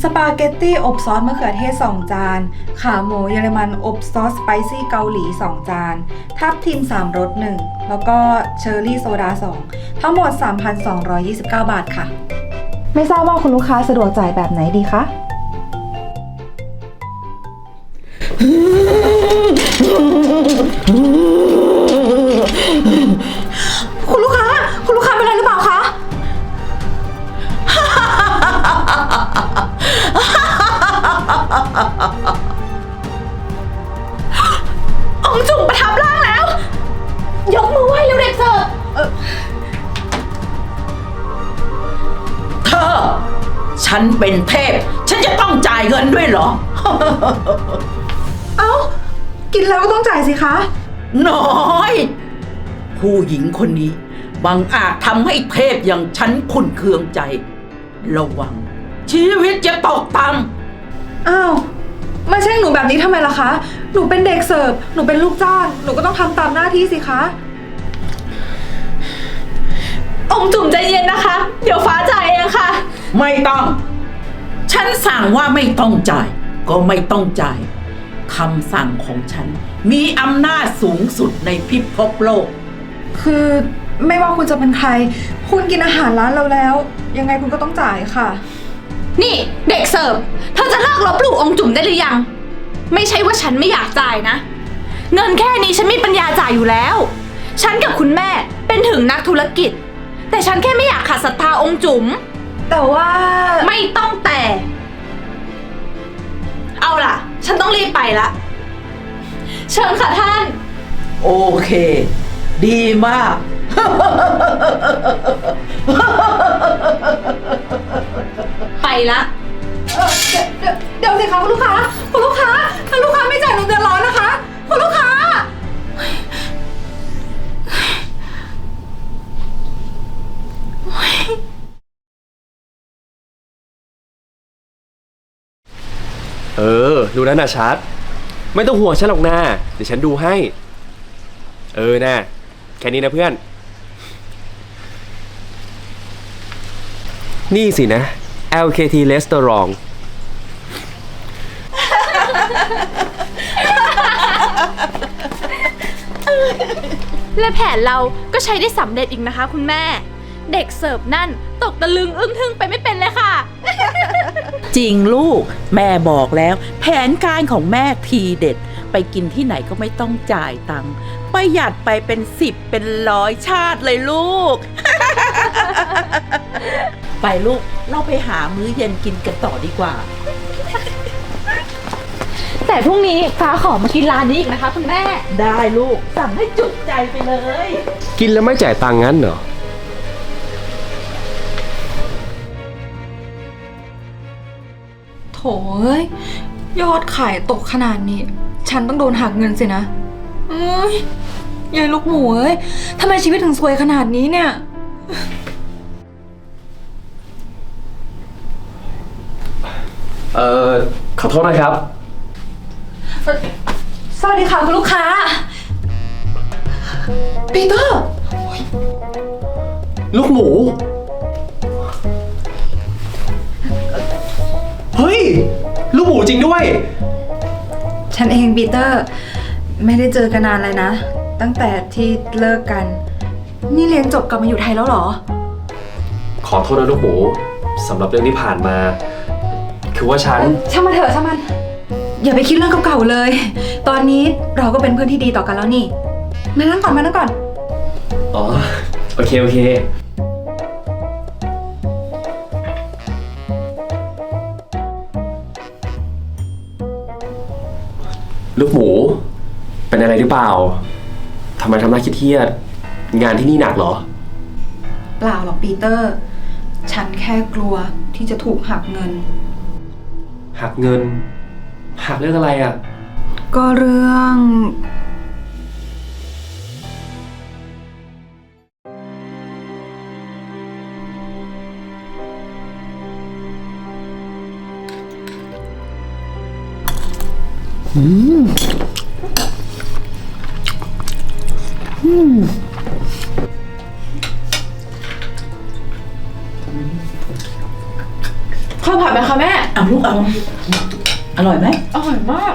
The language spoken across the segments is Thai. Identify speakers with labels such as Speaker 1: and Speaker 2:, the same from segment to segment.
Speaker 1: สปาเกตตี้อบซอสมะเขือเทศ2จานขาหมูเยอรมันอบซอสสไปซี่เกาหลี2จานทับทิม3รส1แล้วก็เชอร์รี่โซดา2ทั้งหมด 3,229 บาทค่ะไม่ทราบว่าคุณลูกค้าสะดวกจ่ายแบบไหนดีคะคุณลูกค้าเป็นอะไรหรือเปล่าคะองค์จุ๋มประทับร่างแล้วยกมือไหว้เร็วเด็กเสิร์ฟ
Speaker 2: เธอฉันเป็นเทพฉันจะต้องจ่ายเงินด้วยเหรอ
Speaker 1: เอ้ากินแล้วก็ต้องจ่ายสิคะ
Speaker 2: น้อยผู้หญิงคนนี้บังอาจทำให้เทพอย่างฉันขุ่นเคืองใจระวังชีวิตจะตกต่
Speaker 1: ำอ้าวมาแช่งหนูแบบนี้ทำไมล่ะคะหนูเป็นเด็กเสิร์ฟหนูเป็นลูกจ้างหนูก็ต้องทำตามหน้าที่สิคะองจุ๋มใจเย็นนะคะเดี๋ยวฟ้าจ่ายเองค่ะ
Speaker 2: ไม่ต้องฉันสั่งว่าไม่ต้องจ่ายก็ไม่ต้องจ่ายคำสั่งของฉันมีอำนาจสูงสุดในพิภพโลก
Speaker 1: คือไม่ว่าคุณจะเป็นใครคุณกินอาหารร้านเราแล้วยังไงคุณก็ต้องจ่ายค่ะ
Speaker 3: นี่เด็กเสิร์ฟเธอจะเลิกลบหลู่องค์จุ๋มได้หรือยังไม่ใช่ว่าฉันไม่อยากจ่ายนะเงินแค่นี้ฉันมีปัญญาจ่ายอยู่แล้วฉันกับคุณแม่เป็นถึงนักธุรกิจแต่ฉันแค่ไม่อยากขาดศรัทธาองค์จุ๋ม
Speaker 1: แต่ว่า
Speaker 3: ไม่ต้องแต่เอาล่ะฉันต้องรีบไปละเชิญค่ะท่าน
Speaker 2: โอเคดีมาก
Speaker 3: ไปละ
Speaker 1: เดี๋ยวสิคะคุณลูกค้าถ้าลูกค้าไม่จ่ายหนูเดือดร้อนนะคะคุณลูกค้า
Speaker 4: ดูแล้วนะชัดไม่ต้องห่วงฉันหรอกนะเดี๋ยวฉันดูให้นะแค่นี้นะเพื่อนนี่สินะ LKT Restaurant
Speaker 3: และแผนเราก็ใช้ได้สำเร็จอีกนะคะคุณแม่เด็กเสิร์ฟนั่นตกตะลึงอึ้งทึ่งไปไม่เป็นเลยค่ะ
Speaker 2: จริงลูกแม่บอกแล้วแผนการของแม่ทีเด็ดไปกินที่ไหนก็ไม่ต้องจ่ายตังค์ประหยัดไปเป็น10เป็น100ชาติเลยลูก ไปลูกเราไปหามื้อเย็นกินกันต่อดีกว่า
Speaker 3: แต่พรุ่งนี้ฟ้าขอมากินร้านนี้อีกนะคะคุณแม่
Speaker 2: ได้ลูกสั่งให้จุใจไปเลย
Speaker 4: กินแล้วไม่จ่ายตังค์งั้นเหรอ
Speaker 1: โถเอ้ยยอดขายตกขนาดนี้ฉันต้องโดนหักเงินสินะยายลูกหมูเอ้ยทำไมชีวิตถึงซวยขนาดนี้เนี่ย
Speaker 4: ขอโทษนะครับ
Speaker 1: สวัสดีค่ะคุณลูกค้าปีเตอร์
Speaker 4: ลูกหมูเฮ้ยลูกหมูจริงด้วย
Speaker 1: ฉันเองปีเตอร์ไม่ได้เจอกันนานเลยนะตั้งแต่ที่เลิกกันนี่เรียนจบกลับมาอยู่ไทยแล้วเหรอ
Speaker 4: ขอโทษนะลูกหมูสำหรับเรื่องที่ผ่านมาคือว่าช่
Speaker 1: างมันเถอะช่างมันอย่าไปคิดเรื่องเก่าๆเลยตอนนี้เราก็เป็นเพื่อนที่ดีต่อกันแล้วนี่มานั่งก่อน
Speaker 4: อ๋อโอเคลูกหมูเป็นอะไรหรือเปล่าทำไมทำหน้าเครียดงานที่นี่หนักเหรอ
Speaker 1: เปล่าหรอกปีเตอร์ฉันแค่กลัวที่จะถูกหักเงิน
Speaker 4: หักเรื่องอะไรอ่ะ
Speaker 1: ก็เรื่อง
Speaker 3: ข้าวผัดไหมคะแม่
Speaker 2: เอาเอาลูกเอาอร่อยไหม
Speaker 3: อร่อยมาก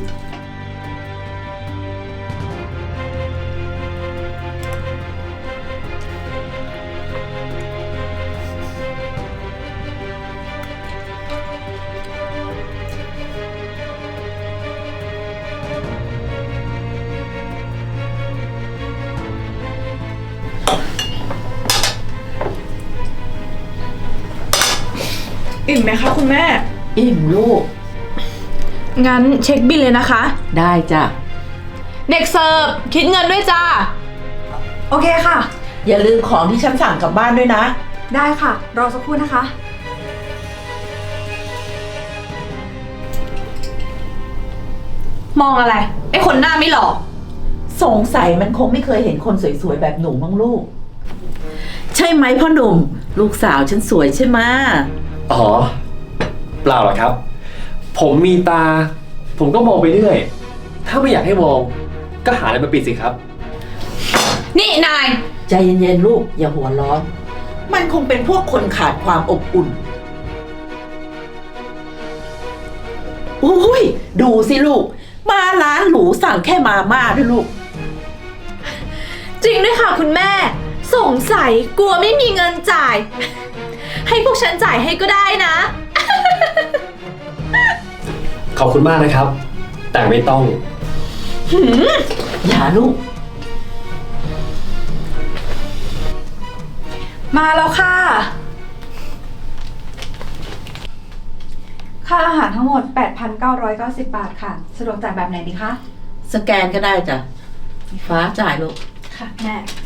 Speaker 3: อิ่มไหมคะคุณแม่
Speaker 2: อิ่มลูก
Speaker 3: งั้นเช็คบิลเลยนะคะ
Speaker 2: ได้จ้ะ
Speaker 3: เด็กเสิร์ฟคิดเงินด้วยจ้า
Speaker 1: โอเคค่ะ
Speaker 2: อย่าลืมของที่ฉันสั่งกลับบ้านด้วยนะ
Speaker 1: ได้ค่ะ รอสักครู่นะคะ
Speaker 3: มองอะไร ไอ้คนหน้าไม่หล่อ
Speaker 2: สงสัยมันคงไม่เคยเห็นคนสวยๆแบบหนูมั้งลูก ใช่ไหมพ่อหนุ่ม ลูกสาวฉันสวยใช่ไหม
Speaker 4: อ๋อ เปล่าหรอกครับ ผมมีตา ผมก็มองไปเรื่อย ถ้าไม่อยากให้มอง ก็หาอะไรมาปิดสิครับ
Speaker 3: นี่นาย
Speaker 2: ใจเย็นๆลูก อย่าหัวร้อน มันคงเป็นพวกคนขาดความอบอุ่นอุ้ยดูสิลูก มาร้านหรูสั่งแค่มาม่าด้วยลูก
Speaker 3: จริงด้วยค่ะคุณแม่ สงสัยกลัวไม่มีเงินจ่าย ให้พวกฉันจ่ายให้ก็ได้นะ
Speaker 4: ขอบคุณมากนะครับ แต่ไม่ต้อง
Speaker 2: อย่าลูก
Speaker 1: มาแล้วค่ะ ค่าอาหารทั้งหมด 8,990 บาทค่ะ สะดวกจ่ายแบบไหนดีคะ
Speaker 2: สแกนก็ได้จ้ะ ฟ้าจ่ายลูก
Speaker 1: ค่ะแม่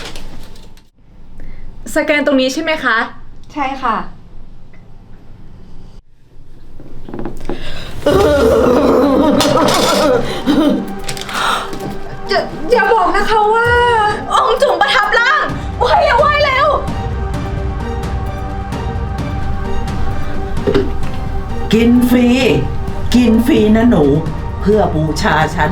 Speaker 3: สแกนตรงนี้ใช่ไหมคะ
Speaker 1: ใช่ค่ะ อย่าบอกนะคะว่า
Speaker 3: องค์จุ๋มประทับร่างไหวแล้วไหวแล้ว
Speaker 2: กินฟรี กินฟรีนะหนู เพื่อบูชาฉัน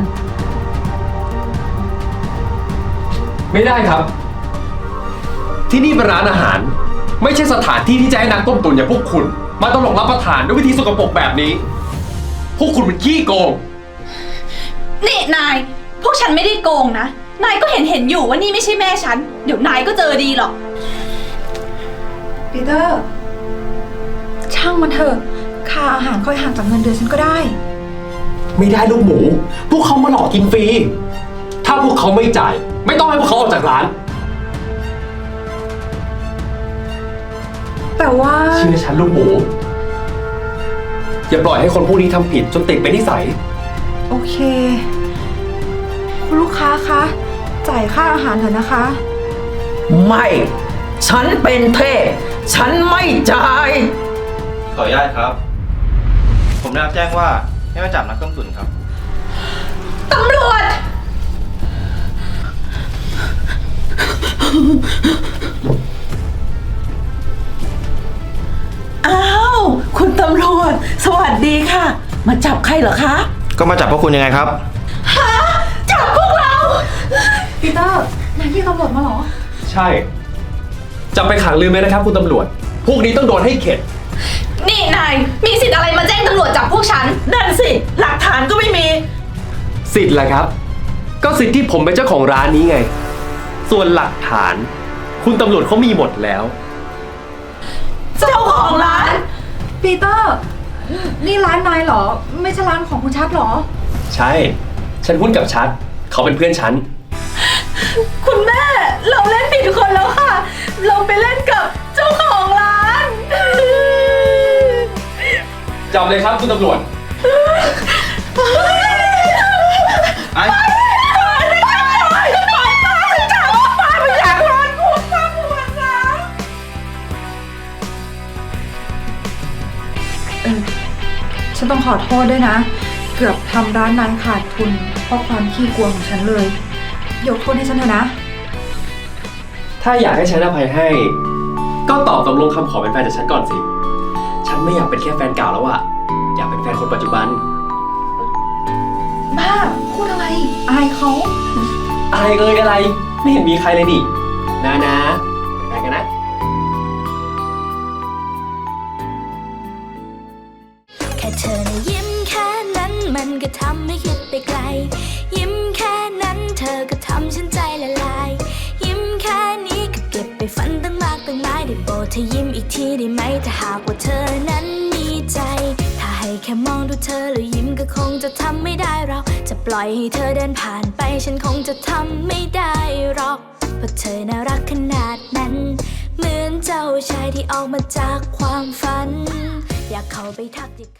Speaker 4: ไม่ได้ครับ ที่นี่เป็นร้านอาหาร ไม่ใช่สถานที่ที่จะให้นักต้มตุ๋นอย่างพวกคุณ มาตลกรับประทานด้วยวิธีสกปรกแบบนี้ พวกคุณเป็นขี้โกง
Speaker 3: นี่นาย พวกฉันไม่ได้โกงนะ นายก็เห็นอยู่ว่านี่ไม่ใช่แม่ฉัน เดี๋ยวนายก็เจอดีหรอก
Speaker 1: ปีเตอร์ ช่างมันเถอะ ค่าอาหารค่อยห่างจากเงินเดือนฉันก็ได้
Speaker 4: ไม่ได้ลูกหมู พวกเขามาหลอกกินฟรี ถ้าพวกเขาไม่จ่าย ไม่ต้องให้พวกเขาออกจากร้าน
Speaker 1: แต่ว่า
Speaker 4: เชื่อฉันลูกหมู อย่าปล่อยให้คนพวกนี้ทำผิดจนติดเป็นนิสัย
Speaker 1: โอเค คุณลูกค้าคะ จ่ายค่าอาหารเถอะนะคะ
Speaker 2: ไม่ ฉันเป็นเทพ ฉันไม่จ่าย
Speaker 5: ขออนุญาตครับ ผมได้รับแจ้งว่าให้มาจับนักต้มตุ๋นครับ
Speaker 3: ตำรวจ
Speaker 2: อ้าว คุณตำรวจ สวัสดีค่ะ มาจับใครเหรอคะ
Speaker 5: ก็มาจับพวกคุณยังไงครับ
Speaker 3: จับพวกเรา
Speaker 1: ปีเตอร์ นายที่ตำรวจมาเหรอ
Speaker 4: ใช่ จะไปขังลืมไหมนะครับคุณตำรวจ พวกนี้ต้องโดนให้เข็ด
Speaker 3: นี่นาย มีสิทธิ์อะไรมาแจ้งตำรวจจับพวกฉัน
Speaker 2: นั่นสิ หลักฐานก็ไม่มี
Speaker 4: สิทธิ์แหละครับ ก็สิทธิ์ที่ผมเป็นเจ้าของร้านนี้ไง ส่วนหลักฐาน คุณตำรวจเขามีหมดแล้ว
Speaker 2: เจ้าของร้าน
Speaker 1: ปีเตอร์ นี่ร้านนายเหรอ ไม่ใช่ร้านของคุณชัดเหรอ
Speaker 4: ใช่ ฉันหุ้นกับชัด เขาเป็นเพื่อนฉัน
Speaker 3: คุณแม่ เราเล่นผิดคนแล้วค่ะ เราไปเล่นกับเจ้าของร้าน
Speaker 4: จับเลยครับคุณตำรวจ
Speaker 5: ไอ้
Speaker 1: ฉันต้องขอโทษด้วยนะ เกือบทำร้านนายขาดทุน เพราะความขี้กลัวของฉันเลย ยกโทษให้ฉันเถอะนะ
Speaker 4: ถ้าอยากให้ฉันอภัยให้ ก็ตอบตกลงคำขอเป็นแฟนจากฉันก่อนสิ ฉันไม่อยากเป็นแค่แฟนเก่าแล้วอะอยากเป็นแฟนคนปัจจุบัน
Speaker 1: บ้า พูดอะไร อายเขา
Speaker 4: อะไรอะไร ไม่เห็นมีใครเลยนี่นะเป็นแฟนกันนะ
Speaker 6: แเธอนะยิ้มแค่นั้นมันก็ทำให้คิดไปไกล ยิ้มแค่นั้นเธอก็ทำฉันใจละลาย ยิ้มแค่นี้ก็เก็บไปฝันตั้งมากตั้งหลายได้โปรดเธอยิ้มอีกทีได้ไหมถ้าหากว่าเธอนั้นมีใจ ถ้าให้แค่มองดูเธอแล้วยิ้มก็คงจะทำไม่ได้เราจะปล่อยให้เธอเดินผ่านไปฉันคงจะทำไม่ได้หรอกเพราะเธอน่ารักขนาดนั้นเหมือนเจ้าชายที่ออกมาจากความฝันอยากเข้าไปทักทิ